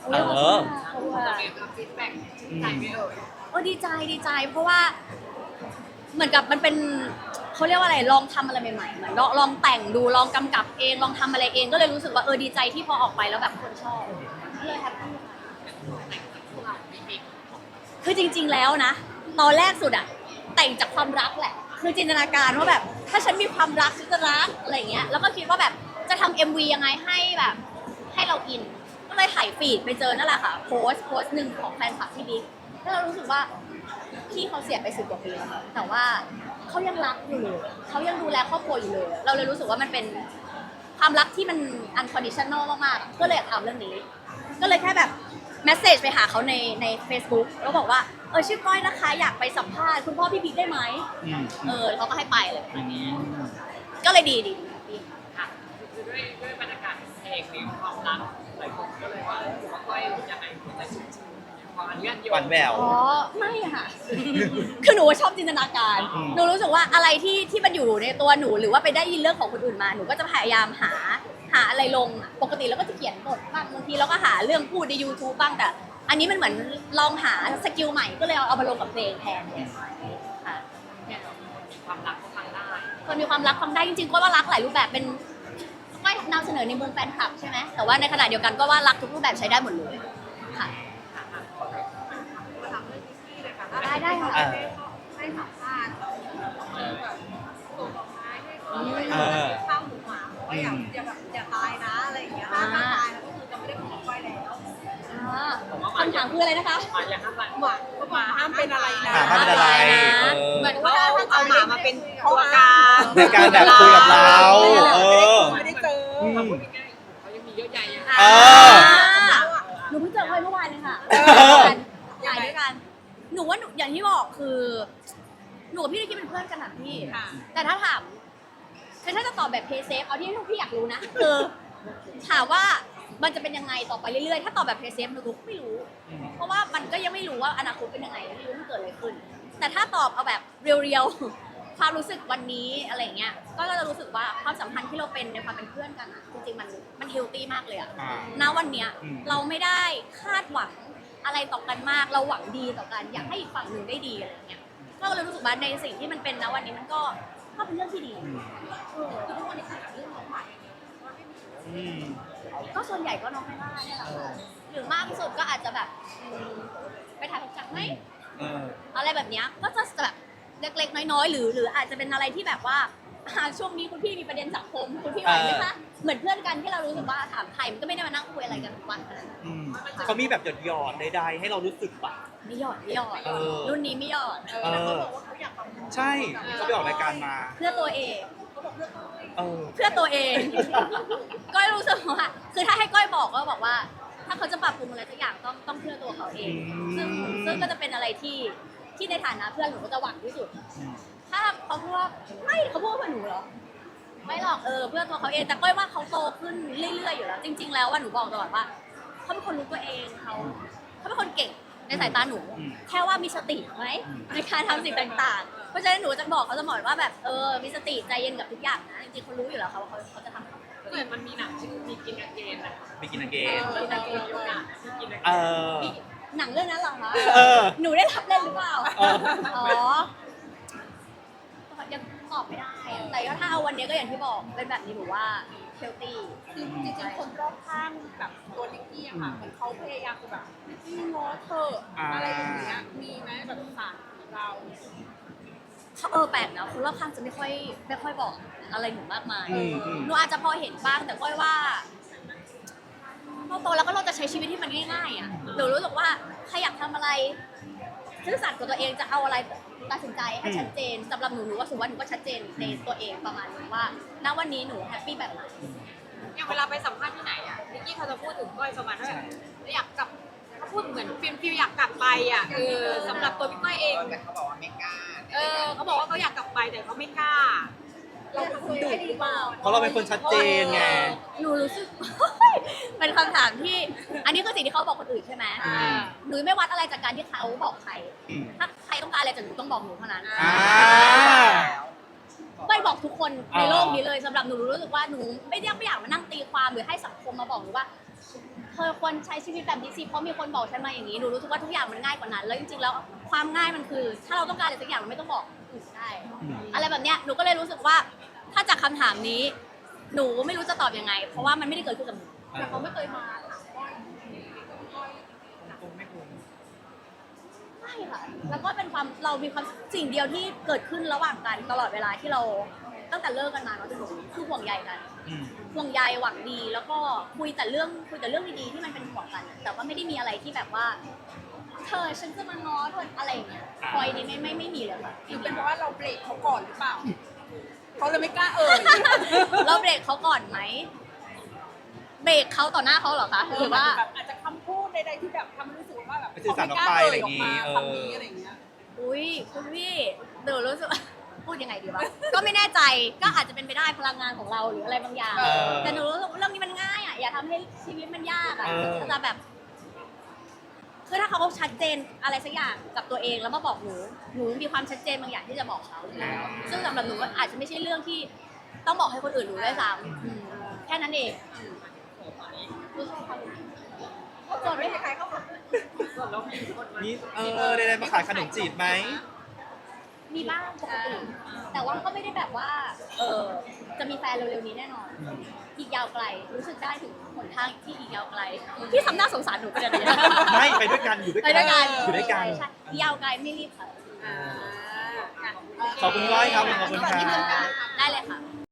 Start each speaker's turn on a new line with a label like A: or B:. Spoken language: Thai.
A: เออ
B: จะมีฟีดแบ็กใจไม่เอ่ย
A: ดีใจเพราะว่าเหมือนกับมันเป็นเขาเรียกว่าอะไรลองทำอะไรใหม่ๆเหมือนลองแต่งดูลองกำกับเองลองทำอะไรเองก็เลยรู้สึกว่าดีใจที่พอออกไปแล้วแบบคนชอบก็เลยแฮปปี้คือจริงๆแล้วนะตอนแรกสุดอะแต่งจากความรักแหละคือจินตนาการว่าแบบถ้าฉันมีความรักฉันจะรักอะไรเงี้ยแล้วก็คิดว่าแบบจะทำ MV ยังไงให้แบบให้เราอินก็เลยถ่ายฟีดไปเจอนั่นแหละค่ะโพสต์หนึ่งของแฟนคลับพี่บิ๊กแล้วเรารู้สึกว่าพี่เขาเสียไป10 กว่าปีแล้วแต่ว่าเขายังรักอยู่เลยเขายังดูแลครอบครัวอยู่เลยเราเลยรู้สึกว่ามันเป็นความรักที่มัน unconditional มากๆก็เลยอยากทำเรื่องนี้ก็เลยแค่แบบเมสเซจไปหาเขาใน Facebook แล้วบอกว่าชื่อก้อยนะคะอยากไปสัมภาษณ์คุณพ่อพี่บิ๊กได้ไหมเขาก็ให้ไปเลยก็เลยดี
B: ค่ะคือด้วยบรรยากาศเพลงมีความรักหลายคนก็เลยว่าก้อยยังไงมันจะชุ่มชื้นพออนุญาตโยน
C: หวานแหวว
A: ไม่ค่ะ คือหนูชอบจินตนาการหนูรู้สึกว่าอะไรที่มันอยู่ในตัวหนูหรือว่าไปได้ยินเรื่องของคนอื่นมาหนูก็จะพยายามหาอะไรลงปกติแล้วก็จะเขียนบทบ้างบางทีเราก็หาเรื่องพูดใน YouTube บ้างแต่อันนี้มันเหมือนลองหาสกิลใหม่ก็เลยเอามาลงกับเพลงแทนค่ะ
B: เนี่ยมีความรักก็ฟังได้
A: คนมีความรักฟังได้จริงๆก็ว่ารักหลายรูปแบบเป็นก็นำเสนอในมุมแฟนคลับใช่ไหมแต่ว่าในขณะเดียวกันก็ว่ารักทุกรูปแบบใช้ได้หมดเลยค่ะได้ค่ะ
B: ให้สัมภาษณ์แบบส่งดอกไม้ให้ข้าวหมูหมาว่าอย่าตายนะอะไรอย่างเงี้ยถ้าตายแล้วก็คือจะไม่ได้ของก้อยแล้ว
A: คำถามคืออะไรนะคะ
B: อย่าห้ามหมาห้ามเป็นอะไรนะ
C: ห้ามเป็นอะไร
B: เหมือนว่าเอาหมามาเป็นตัวกลาง
C: ในการแบบคุยกับเรา
B: ไม่ได้เจอเขายังมีเยอะใหญ่
A: หนูเพิ่งเจอเขาเมื่อวานเลยค่ะถ่ายด้วยกันหนูว่าอย่างที่บอกคือหนูกับพี่นิกกี้เป็นเพื่อนกันนะพี่แต่ถ้าถามคือถ้าจะตอบแบบเพย์เซฟเอาที่พี่อยากรู้นะคือถามว่ามันจะเป็นยังไงต่อไปเรื่อยๆถ้าตอบแบบเพย์เซฟหนูก็ไม่รู้เพราะว่ามันก็ยังไม่รู้ว่าอนาคตเป็นยังไงไม่รู้มันเกิดอะไรขึ้นแต่ถ้าตอบเอาแบบเรียวๆความรู้สึกวันนี้อะไรเงี้ยก็จะรู้สึกว่าความสัมพันธ์ที่เราเป็นในความเป็นเพื่อนกันอะจริงๆมันเฮลตี้มากเลยอะณวันเนี้ยเราไม่ได้คาดหวังอะไรต่อกันมากเราหวังดีต่อกันอยากให้อีกฝั่งหนึ่งได้ดีอะไรเงี้ยก็เลยรู้สึกว่าในสิ่งที่มันเป็นณวันนี้มันก็เป็นเรื่องที่ดีคือทุกวันนี้คือเรื่องของใหม่ก็ส่วนใหญ่ก็น้องไม่ได้เนี่ยแหละค่ะหรือมากที่สุดก็อาจจะแบบไปถ่ายของจักรไหมอะไรแบบเนี้ยก็จะแบบเล็กๆน้อยๆหรืออาจจะเป็นอะไรที่แบบว่าช่วงนี้คุณพี่มีประเด็นสังคมคุณพี่ไหวไหมคะเหมือนเพื่อนกันที่เรารู้สึกว่าถามใครมันก็ไม่ได้มานั่งคุยอะไรกันทุกวันขนาดนั้น
C: เขามีแบบหยอดใดๆให้เรารู้สึกปะ
A: ไม่หยอดรุ่นนี้ไม่หยอด
C: ใช่เขาไปออกรายการมา
A: เพื่อตัวเองเพื่อตัวเองก้อยรู้สึกว่าคือถ้าให้ก้อยบอกก็บอกว่าถ้าเขาจะปรับปรุงอะไรสักอย่างต้องเพื่อตัวเขาเองซึ่งก็จะเป็นอะไรที่ในฐานะเพื่อนหนูก็จะหวังที่สุดถ้าเขาพูดว่าไม่เขาพูดเพื่อหนูเหรอไม่หรอกเพื่อตัวเขาเองแต่ก้อยว่าเขาโตขึ้นเรื่อยๆอยู่แล้วจริงๆแล้วว่าหนูบอกตลอดว่าเขาเป็นคนรู้ตัวเองเขาเป็นคนเก่งในสายตาหนูแค่ว่ามีสติไหมในการทำสิ่งต่างๆเพราะฉะนั้นหนูจะบอกเขาเสมอว่าแบบมีสติใจเย็นกับทุกอย่างนะจริงๆเขารู้อยู่แล้วเขาจะทำ
B: เหมือนมันมีหนังชื่อมีกินอาเกนนะ
C: มีกินอาเกน
A: หนังเรื่องนั้นเหรอคะหนูได้รับเล่นหรือเปล่ายังตอบไม่ได้แต่ถ้าเอาวันนี้ก็อย่างที่บอกเป็นแบบนี้หนูว่าเฮลตี้
B: คือจริงๆคนรอบข้างแบบตัวนิกกี้อะค่ะเหมือนเขาพยายามแบบพี่ง้อเธออะไรอย่างเงี้ยมีไหมแบบสารเรา
A: แปลกนะคนรอบข้างจะไม่ค่อยบอกอะไรหนูมากมายหนูอาจจะพอเห็นบ้างแต่ก้อยว่าเราโตแล้วก็เราจะใช้ชีวิตที่มันง่ายๆอ่ะหนูรู้สึกว่าใครอยากทำอะไรซื่อสัตย์กับตัวเองจะเอาอะไรตัดสินใจให้ชัดเจนสำหรับหนูว่าสุวรรณหนูก็ชัดเจนในตัวเองประมาณนึงว่าณวันนี้หนูแฮปปี้แบบไหน
B: อย่างเวลาไปสัมภาษณ์ที่ไหนอ่ะนิกกี้เขาจะพูดถึงก้อยประมาณว่าอยากกลับเขาพูดเหมือนฟิลอยากกลับไปอ่ะสำหรับตัวพี่ก้อยเองแต่เขาบอกว่าไม่กล้าเขาบอกว่าเขาอยากกลับไปแต่เขาไม่กล้าเราคุยได้หรือเปล่า
C: เพราะเราเป็นคนชัดเจนไง
A: หนูรู้สึกเป็นคำถามที่อันนี้คือสิ่งที่เขาบอกคนอื่นใช่ไหมหนูไม่วัดอะไรจากการที่เขาบอกใครถ้าใครต้องการอะไรจากหนูต้องบอกหนูเท่านั้นไม่บอกทุกคนในโลกนี้เลยสำหรับหนูรู้สึกว่าหนูไม่อยากมานั่งตีความหรือให้สังคมมาบอกหนูว่าเธธอควรใช้ชีวิตแบบนี้สิเพราะมีคนบอกฉันมาอย่างนี้หนูรู้สึกว่าทุกอย่างมันง่ายกว่านั้นแล้วจริงๆแล้วความง่ายมันคือ ถ้าเราต้องการอะไรสักอย่างเราไม่ต้องบอกอื่นได้อะไรแบบเนี้ยหนูก็เลยรู้สึกว่าถ้าจากคำถามนี้ หนูไม่รู้จะตอบยังไง เพราะว่ามันไม่ได้เกิดขึ้นกับหนู
B: แต่เขาไม่เคยมาถามก้อย
C: คงไม่ควร
A: ไม่ค่ะ แล้วก็เป็นความเรามีความสิ่งเดียวที่เกิดขึ้นระหว่างกันตลอดเวลาที่เราตั้งแต่เลิกกันมาเนาะจนถึงคือห่วงใยกัน ห่วงใยหวังดีแล้วก็คุยแต่เรื่องดีๆที่มันเป็นห่วงกัน แต่ว่าไม่ได้มีอะไรที่แบบว่าเธอฉันจะมาง้อเธออะไรอย่างเงี้ยคอยนี้ไม่มีเลยค่ะ
B: หรือเป็นเพราะว่าเราเบรกเขาก่อนหรือเปล่าเขาเลยไม่กล้าเอ่ย
A: เราเบรกเขาก่อนไหมเบรกเขาต่อหน้าเขาเหรอคะหรือว่า
B: แบบอาจจะคำพูดใดๆที่แบบทำให้รู้สึกว่าแบบ
C: ไปสื่อสารออกไปอะไรอย่างงี้
B: คำนี้อะไรอย่างเงี้ย
A: อุ้ยคุณพี่เดี๋ยวรู้สึกว่า พูดยังไงดีวะ ก็ไม่แน่ใจก็อาจจะเป็นไปได้พลังงานของเราหรืออะไรบางอย่าง แต่หนูรู้สึกว่าเรื่องนี้มันง่ายอ่ะอย่าทำให้ชีวิตมันยากอ่ะจะแบบคือถ้าเขาชัดเจนอะไรสักอย่างกับตัวเองแล้วมาบอกหนูมีความชัดเจนบางอย่างที่จะบอกเขาอยู่แล้วซึ่งสำหรับหนูก็อาจจะไม่ใช่เรื่องที่ต้องบอกให้คนอื่นรู้ด้วยซ้ำแค่นั้นเองส่วนไม่ใครเข้ามา
C: นี่ได้มาขายขนมจีบไหม
A: มีบ้างปกติแต่ว่าก็ไม่ได้แบบว่า จะมีแฟนเร็วๆนี้แน่นอน อีกยาวไกล รู้สึกได้ถึงหนทางที่อีกยาวไกล พี่ทำหน้าสงสารหนูไปเลย
C: ไม่ไปด้วยกันอยู่ด้วย
A: ไป
C: กัน
A: ด้วยกัน
C: อยู่ด้วยกัน
A: ใช่ยาวไกลไม่รีบค่ะ
C: ขอบคุณก้อยครับขอบคุณครับ
A: ได้เลยค่ะ